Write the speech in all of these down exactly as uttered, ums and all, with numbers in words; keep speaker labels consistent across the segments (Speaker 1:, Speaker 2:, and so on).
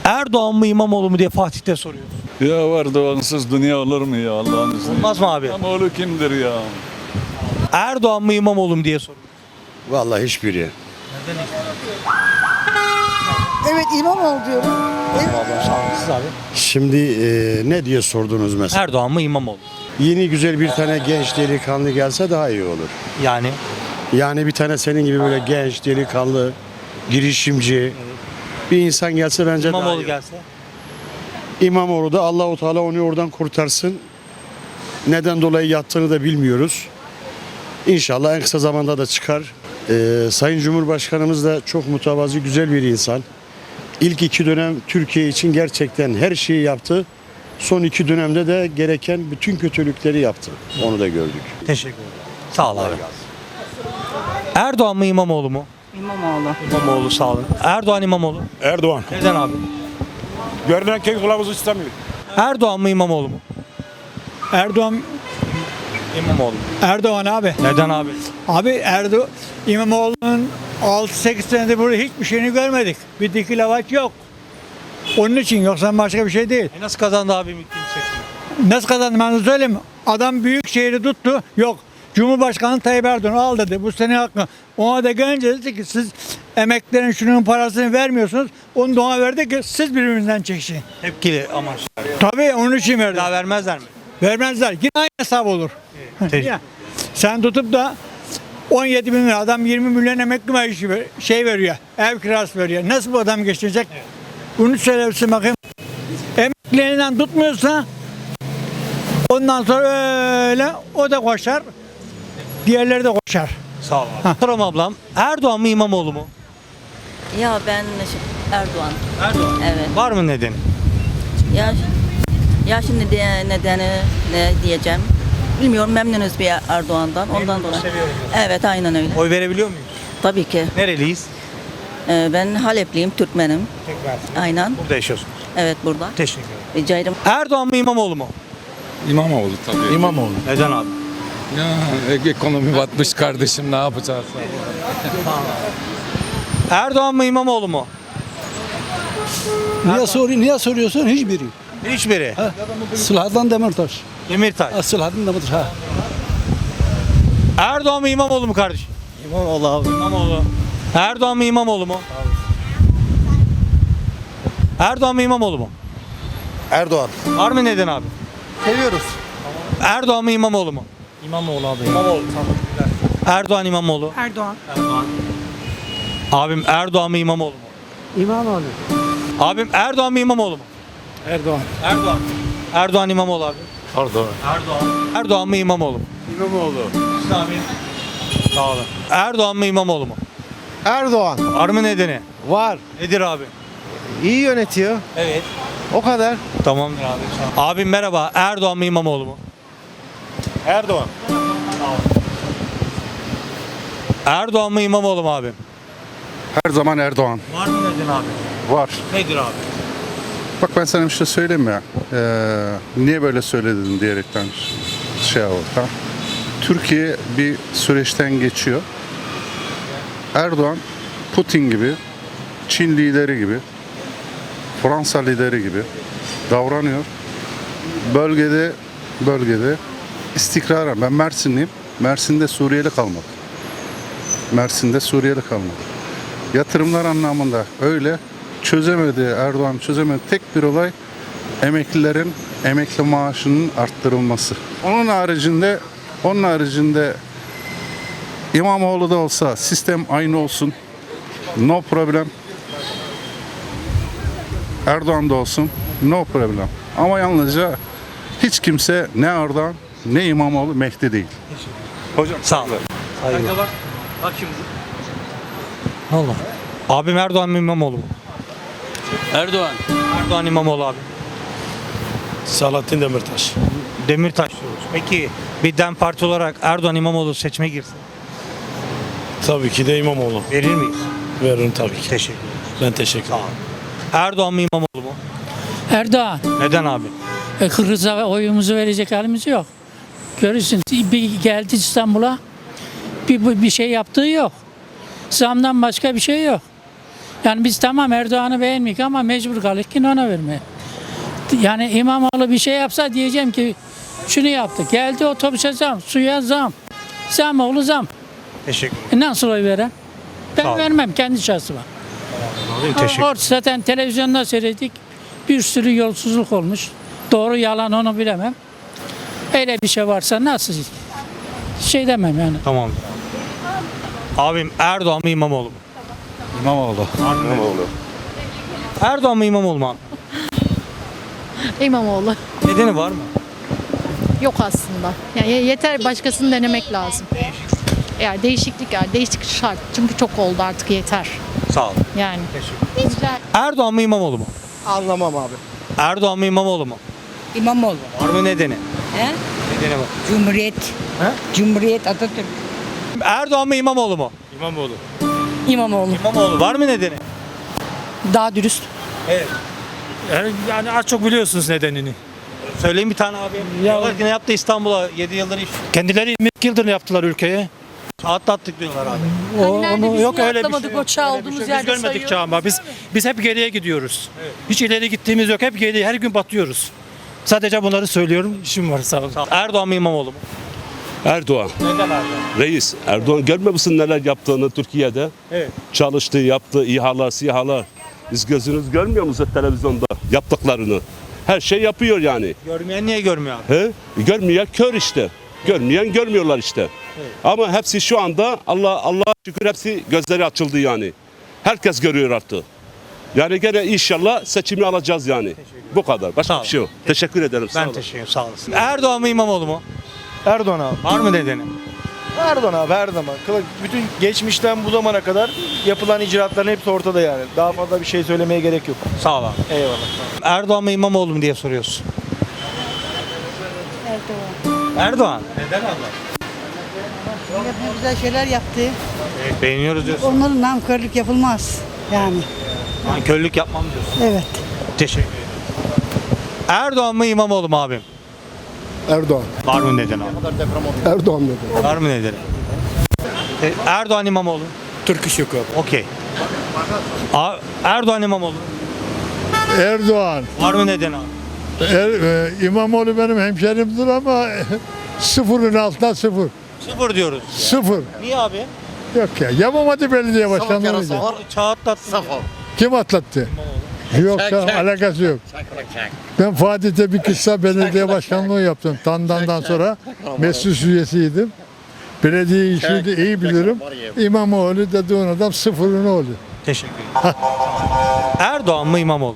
Speaker 1: Erdoğan mı İmamoğlu mu diye Fatih'te soruyoruz.
Speaker 2: Ya var Doğansız dünya olur mu ya Allah'ın izniyle?
Speaker 1: Olmaz mı abi?
Speaker 2: İmamoğlu kimdir ya?
Speaker 1: Erdoğan mı İmamoğlu mu diye soruyoruz.
Speaker 3: Vallahi hiçbiri.
Speaker 4: Evet İmamoğlu diyorum.
Speaker 1: Siz abi.
Speaker 3: Şimdi e, ne diye sordunuz mesela?
Speaker 1: Erdoğan mı İmamoğlu?
Speaker 3: Yeni güzel bir tane genç delikanlı gelse daha iyi olur.
Speaker 1: Yani
Speaker 3: Yani bir tane senin gibi böyle genç delikanlı, girişimci bir insan gelse bence daha
Speaker 1: İmamoğlu
Speaker 3: iyi.
Speaker 1: gelse.
Speaker 3: İmamoğlu da Allahu Teala onu oradan kurtarsın. Neden dolayı yattığını da bilmiyoruz. İnşallah en kısa zamanda da çıkar. Ee, Sayın Cumhurbaşkanımız da çok mütevazi, güzel bir insan. İlk iki dönem Türkiye için gerçekten her şeyi yaptı. Son iki dönemde de gereken bütün kötülükleri yaptı. Onu da gördük.
Speaker 1: Teşekkür ederim. Sağ ol abi. Erdoğan mı İmamoğlu mu?
Speaker 4: İmamoğlu.
Speaker 1: İmamoğlu sağ olun. Erdoğan İmamoğlu.
Speaker 5: Erdoğan.
Speaker 1: Neden abi?
Speaker 5: Görünen kek kılavuzu istemiyor.
Speaker 1: Erdoğan mı İmamoğlu mu?
Speaker 6: Erdoğan
Speaker 1: İmamoğlu.
Speaker 6: Erdoğan abi.
Speaker 1: Neden abi?
Speaker 6: Abi Erdoğan İmamoğlu'nun altı sekiz senedir burada hiçbir şeyini görmedik. Bir diki lavaş yok. Onun için yoksa başka bir şey değil.
Speaker 1: E nasıl kazandı abi Ümit seçimi?
Speaker 6: Nasıl kazandı ben de söyleyeyim mi? Adam büyük şehri tuttu. Yok. Cumhurbaşkanı Tayyip Erdoğan al dedi. Bu senin hakkın. Ona da gelince dedi ki siz emeklerin şunun parasını vermiyorsunuz. Onu da ona verdi ki siz birbirinizden çekişin.
Speaker 1: Tepkili amaç.
Speaker 6: Tabii onun için verdi.
Speaker 1: Daha vermezler mi?
Speaker 6: Vermezler. Yine aynı hesap olur.
Speaker 1: Teşekkür.
Speaker 6: Ya, sen tutup da on yedi bin lira adam yirmi milyon emekli maaşı ver- şey veriyor. Ev kirası veriyor. Nasıl bu adam geçecek? Bunu söylesin bakayım. Emekliliğinden tutmuyorsa ondan sonra öyle o da koşar. Diğerleri de koşar.
Speaker 1: Sağ ol abi. Sorum ablam. Erdoğan mı İmamoğlu mu?
Speaker 7: Ya ben şi- Erdoğan.
Speaker 1: Erdoğan.
Speaker 7: Evet.
Speaker 1: Var mı nedeni?
Speaker 7: Ya ya şimdi de, nedeni ne diyeceğim? Bilmiyorum, memnunuz bir Erdoğan'dan. Ondan dolayı.
Speaker 1: seviyoruz.
Speaker 7: Evet, aynen öyle.
Speaker 1: Oy verebiliyor muyuz?
Speaker 7: Tabii ki.
Speaker 1: Nereliyiz?
Speaker 7: Ee, ben Halepliyim, Türkmenim.
Speaker 1: Tekrar.
Speaker 7: Aynen.
Speaker 1: Burada yaşıyorsunuz.
Speaker 7: Evet, burada.
Speaker 1: Teşekkür ederim.
Speaker 7: Rica ederim.
Speaker 1: Erdoğan mı İmamoğlu mu?
Speaker 2: İmamoğlu tabii.
Speaker 5: İmamoğlu.
Speaker 1: Neden abi?
Speaker 2: Ya ekonomi batmış kardeşim ne yapacağız?
Speaker 1: Erdoğan mı İmamoğlu mu?
Speaker 8: Niye soruyor? Niye soruyorsun? Hiçbiri.
Speaker 1: Hiçbiri.
Speaker 8: Sıla'dan Demirtaş.
Speaker 1: Demirtaş.
Speaker 8: Ha, Sıla'dan Demirtaş. Ha.
Speaker 1: Erdoğan mı İmamoğlu mu kardeşim?
Speaker 8: İmamoğlu abi.
Speaker 1: İmamoğlu. Erdoğan mı İmamoğlu mu? Erdoğan mı İmamoğlu mu?
Speaker 3: Erdoğan.
Speaker 1: Var mı neden abi?
Speaker 3: Seviyoruz.
Speaker 1: Erdoğan mı İmamoğlu mu?
Speaker 6: İmamoğlu abi.
Speaker 1: İmamoğlu. Erdoğan İmamoğlu.
Speaker 4: Erdoğan.
Speaker 1: Erdoğan. Abim Erdoğan mı İmamoğlu mu?
Speaker 8: İmamoğlu.
Speaker 1: Abim Erdoğan mı İmamoğlu mu?
Speaker 6: Erdoğan.
Speaker 1: Erdoğan. Erdoğan İmamoğlu abi.
Speaker 2: Erdoğan.
Speaker 1: Erdoğan. Erdoğan mı İmamoğlu mu?
Speaker 3: İmamoğlu.
Speaker 1: Siz abi. Sağ olun. Erdoğan mı İmamoğlu mu?
Speaker 3: Erdoğan.
Speaker 1: Var mı nedeni?
Speaker 3: Var.
Speaker 1: Nedir abi?
Speaker 3: İyi yönetiyor.
Speaker 1: Evet.
Speaker 3: O kadar.
Speaker 1: Tamamdır abi. Sağ ol. Abim merhaba. Erdoğan mı İmamoğlu mu?
Speaker 5: Erdoğan.
Speaker 1: Erdoğan mı İmamoğlu mu abim?
Speaker 2: Her zaman Erdoğan.
Speaker 1: Var mı neden abi?
Speaker 2: Var.
Speaker 1: Nedir abi?
Speaker 2: Bak ben sana bir şey söyleyeyim mi? Ee, niye böyle söyledin diyerekten şey oldu. Ha? Türkiye bir süreçten geçiyor. Erdoğan Putin gibi, Çin lideri gibi, Fransa lideri gibi davranıyor. Bölgede bölgede istikrara. Ben Mersinliyim. Mersin'de Suriyeli kalmadı. Mersin'de Suriyeli kalmadı. Yatırımlar anlamında öyle çözemedi, Erdoğan çözemedi. Tek bir olay emeklilerin emekli maaşının arttırılması. Onun haricinde onun haricinde İmamoğlu da olsa sistem aynı olsun. No problem. Erdoğan da olsun. No problem. Ama yalnızca hiç kimse ne Erdoğan ne İmamoğlu Mehdi değil.
Speaker 1: Hocam sağ ol. Kanka bak. Bak şimdi. Allah. Abim Erdoğan mı İmamoğlu mu?
Speaker 8: Erdoğan.
Speaker 1: Erdoğan İmamoğlu abi.
Speaker 5: Selahattin Demirtaş.
Speaker 1: Demirtaş diyoruz. Peki bir DEM Parti olarak Erdoğan İmamoğlu seçime girsin.
Speaker 5: Tabii ki de İmamoğlu.
Speaker 1: Verir miyiz?
Speaker 5: Veririm tabii ki.
Speaker 1: Teşekkür ederim.
Speaker 5: Ben teşekkür ederim.
Speaker 1: Erdoğan mı İmamoğlu mu?
Speaker 9: Erdoğan.
Speaker 1: Neden abi?
Speaker 9: E, Kırgız'a oyumuzu verecek halimiz yok. Görürsün bir geldi İstanbul'a bir, bir bir şey yaptığı yok. Zamdan başka bir şey yok. Yani biz tamam Erdoğan'ı beğenmeyik ama mecbur kaldık ki ona vermeye. Yani İmamoğlu bir şey yapsa diyeceğim ki şunu yaptı. Geldi otobüse zam, suya zam. Zam oğlu zam.
Speaker 1: Teşekkür ederim.
Speaker 9: E nasıl oy veren? Ben
Speaker 1: Sağ ol.
Speaker 9: vermem kendi şahsıma.
Speaker 1: Abim teşekkür
Speaker 9: Orada zaten televizyonda seyrettik. Bir sürü yolsuzluk olmuş. Doğru yalan onu bilemem. Öyle bir şey varsa nasıl şey demem yani.
Speaker 1: Tamam. Abim Erdoğan mı İmamoğlu mu?
Speaker 8: İmamoğlu.
Speaker 1: İmamoğlu. Erdoğan mı İmamoğlu mu abi?
Speaker 10: İmamoğlu.
Speaker 1: Nedeni var mı?
Speaker 10: Yok aslında. Yani yeter başkasını denemek lazım. Yani değişiklik yani değişiklik şart. Çünkü çok oldu artık yeter.
Speaker 1: Sağ ol.
Speaker 10: Yani.
Speaker 1: Teşekkür Erdoğan mı İmamoğlu mu?
Speaker 8: Anlamam abi.
Speaker 1: Erdoğan mı İmamoğlu mu?
Speaker 4: İmamoğlu.
Speaker 1: Var mı nedeni?
Speaker 4: He?
Speaker 1: Nedeni var.
Speaker 4: Cumhuriyet.
Speaker 1: He?
Speaker 4: Cumhuriyet Atatürk.
Speaker 1: Erdoğan mı İmamoğlu mu?
Speaker 5: İmamoğlu.
Speaker 4: İmamoğlu.
Speaker 1: İmamoğlu. Var mı nedeni?
Speaker 4: Daha dürüst.
Speaker 1: Evet.
Speaker 5: Yani, yani az çok biliyorsunuz nedenini.
Speaker 1: Söyleyin bir tane abi. Diyorlar ki ne yaptı İstanbul'a? yedi yıldır iş.
Speaker 5: Kendileri yirmi yıldır yaptılar ülkeye.
Speaker 1: Atlattık diyorlar abi.
Speaker 5: O, onu, yok öyle bir şey.
Speaker 10: o çağ olduğumuz
Speaker 5: Biz görmedik çağ ama biz biz hep geriye gidiyoruz. Hiç ileri gittiğimiz yok. Hep geri, her gün batıyoruz. Sadece bunları söylüyorum. İşim var sağ olun.
Speaker 1: Erdoğan mı İmamoğlu mu?
Speaker 11: Erdoğan.
Speaker 1: Neden Erdoğan?
Speaker 11: Reis. Erdoğan görmüyor musun neler yaptığını Türkiye'de?
Speaker 1: Evet.
Speaker 11: Çalıştığı, yaptığı İHA'lar, SİHA'lar. Biz gözünüz görmüyor musunuz televizyonda yaptıklarını? Her şey yapıyor yani.
Speaker 1: Görmeyen niye görmüyor abi?
Speaker 11: He? Görmeyen kör işte. Görmeyen görmüyorlar işte. Ama hepsi şu anda Allah Allah'a şükür hepsi gözleri açıldı yani. Herkes görüyor artık. Yani gene inşallah seçimi alacağız yani. Bu kadar. Başka
Speaker 1: Sağ
Speaker 11: bir şey yok. Teşekkür ederim. Sağ
Speaker 1: Ben
Speaker 11: olun.
Speaker 1: teşekkür ederim. Sağ olasın. Erdoğan mı İmamoğlu mu?
Speaker 8: Erdoğan abi.
Speaker 1: Var mı nedeni?
Speaker 8: Erdoğan abi her zaman. Kıla- Bütün geçmişten bu zamana kadar yapılan icraatların hepsi ortada yani. Daha fazla bir şey söylemeye gerek yok.
Speaker 1: Sağ ol abi.
Speaker 8: Eyvallah.
Speaker 1: Erdoğan mı İmamoğlu mu diye soruyorsun. Erdoğan. Erdoğan. Neden abla?
Speaker 4: Ne güzel şeyler yaptı.
Speaker 1: Evet, beğeniyoruz diyorsun.
Speaker 4: Onların namkörlük yapılmaz. Yani.
Speaker 1: Nankörlük yapmam diyorsun.
Speaker 4: Evet.
Speaker 1: Teşekkür ederim. Erdoğan mı İmamoğlu mu abim?
Speaker 3: Erdoğan.
Speaker 1: Var mı neden abi?
Speaker 3: Erdoğan dedi.
Speaker 1: Var mı nedeni? E, Erdoğan İmamoğlu.
Speaker 5: Türk iş yok abi.
Speaker 1: Okey. A- Erdoğan İmamoğlu.
Speaker 3: Erdoğan.
Speaker 1: Var mı neden abi?
Speaker 3: Er, e, İmamoğlu benim hemşerimdir ama sıfırın altında sıfır.
Speaker 1: Sıfır diyoruz.
Speaker 3: Sıfır.
Speaker 1: Niye abi?
Speaker 3: Yok ya. Yapamadı belediye başkanlığı.
Speaker 1: Çağ atlattı.
Speaker 3: Kim atlattı? Yok ya, alakası yok. Ben Fatih'te bir kısa belediye başkanlığı yaptım. Tandan'dan sonra meclis üyesiydim. Belediye işini de iyi bilirim. İmamoğlu dediğin adam sıfırın oğlu.
Speaker 1: Teşekkür ederim. Erdoğan mı İmamoğlu?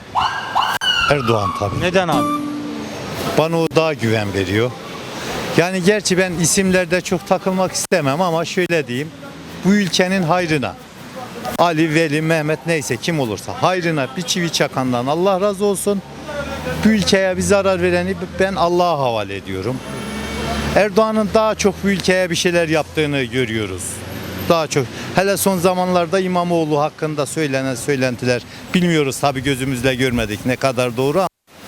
Speaker 12: Erdoğan tabii.
Speaker 1: Neden abi?
Speaker 12: Bana o daha güven veriyor. Yani gerçi ben isimlerde çok takılmak istemem ama şöyle diyeyim. Bu ülkenin hayrına. Ali, Veli, Mehmet neyse kim olursa hayrına bir çivi çakandan Allah razı olsun. Bu ülkeye bir zarar vereni ben Allah'a havale ediyorum. Erdoğan'ın daha çok bu ülkeye bir şeyler yaptığını görüyoruz. Daha çok. Hele son zamanlarda İmamoğlu hakkında söylenen söylentiler bilmiyoruz tabii gözümüzle görmedik ne kadar doğru ama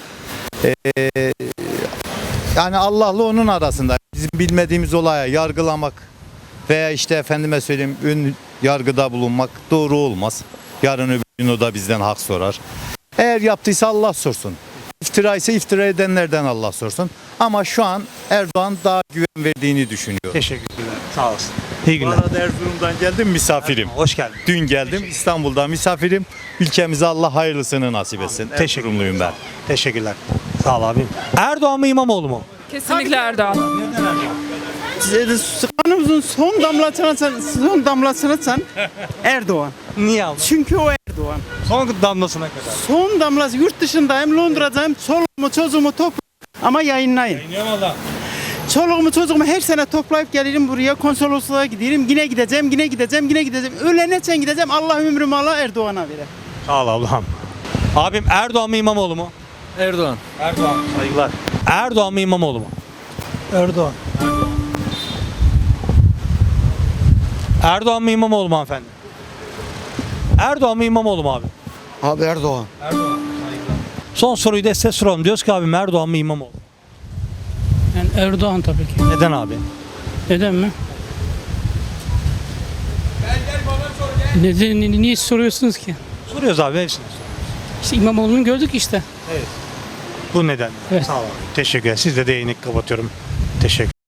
Speaker 12: ee, yani Allah'la onun arasında bizim bilmediğimiz olaya yargılamak veya işte efendime söyleyeyim ön yargıda bulunmak doğru olmaz. Yarın öbür gün o da bizden hak sorar. Eğer yaptıysa Allah sorsun. İftira ise iftira edenlerden Allah sorsun. Ama şu an Erdoğan daha güven verdiğini düşünüyor.
Speaker 1: Teşekkürler. Sağ olasın. İyi
Speaker 12: Bu
Speaker 1: günler.
Speaker 12: arada Erzurum'dan geldim misafirim.
Speaker 1: Hoş geldin.
Speaker 12: Dün geldim İstanbul'da misafirim. Ülkemize Allah hayırlısını nasip etsin.
Speaker 1: Teşekkür
Speaker 12: Erzurumluyum ben.
Speaker 1: Teşekkürler. Sağ ol abim. Erdoğan mı İmamoğlu mu?
Speaker 10: Kesinlikle Erdoğan.
Speaker 6: Kanımızın son damlasını sen, son damlasını sen Erdoğan.
Speaker 1: Niye abi?
Speaker 6: Çünkü o Erdoğan.
Speaker 1: Son damlasına kadar.
Speaker 6: Son damlası yurt dışındayım, Londra'dayım. Çoluğumu çocuğumu topla ama yayınlayın.
Speaker 1: Yayınlayalım valla.
Speaker 6: Çoluğumu çocuğumu her sene toplayıp gelirim buraya konsolosluğa giderim. Yine gideceğim, yine gideceğim, yine gideceğim. Ölene sen gideceğim. Allah ömrümü Allah Erdoğan'a verir.
Speaker 1: Sağ ol Allah'ım. Abim Erdoğan mı İmamoğlu mu?
Speaker 8: Erdoğan.
Speaker 1: Erdoğan. Saygılar. Erdoğan mı İmamoğlu mu?
Speaker 8: Erdoğan.
Speaker 1: Erdoğan mı İmamoğlu mu hanımefendi? Erdoğan mı İmamoğlu mu abi?
Speaker 8: Abi Erdoğan.
Speaker 1: Erdoğan. Son soruyu da size soralım. Diyoruz ki abim Erdoğan mı İmamoğlu?
Speaker 9: Yani Erdoğan tabii ki.
Speaker 1: Neden abi?
Speaker 9: Neden mi? Neden, niye soruyorsunuz ki?
Speaker 1: Soruyoruz abi hepsini.
Speaker 9: İşte İmamoğlu'nu gördük işte.
Speaker 1: Bu neden?
Speaker 9: Evet.
Speaker 1: Sağ olun. Teşekkür ederim. Siz de değinik kapatıyorum. Teşekkür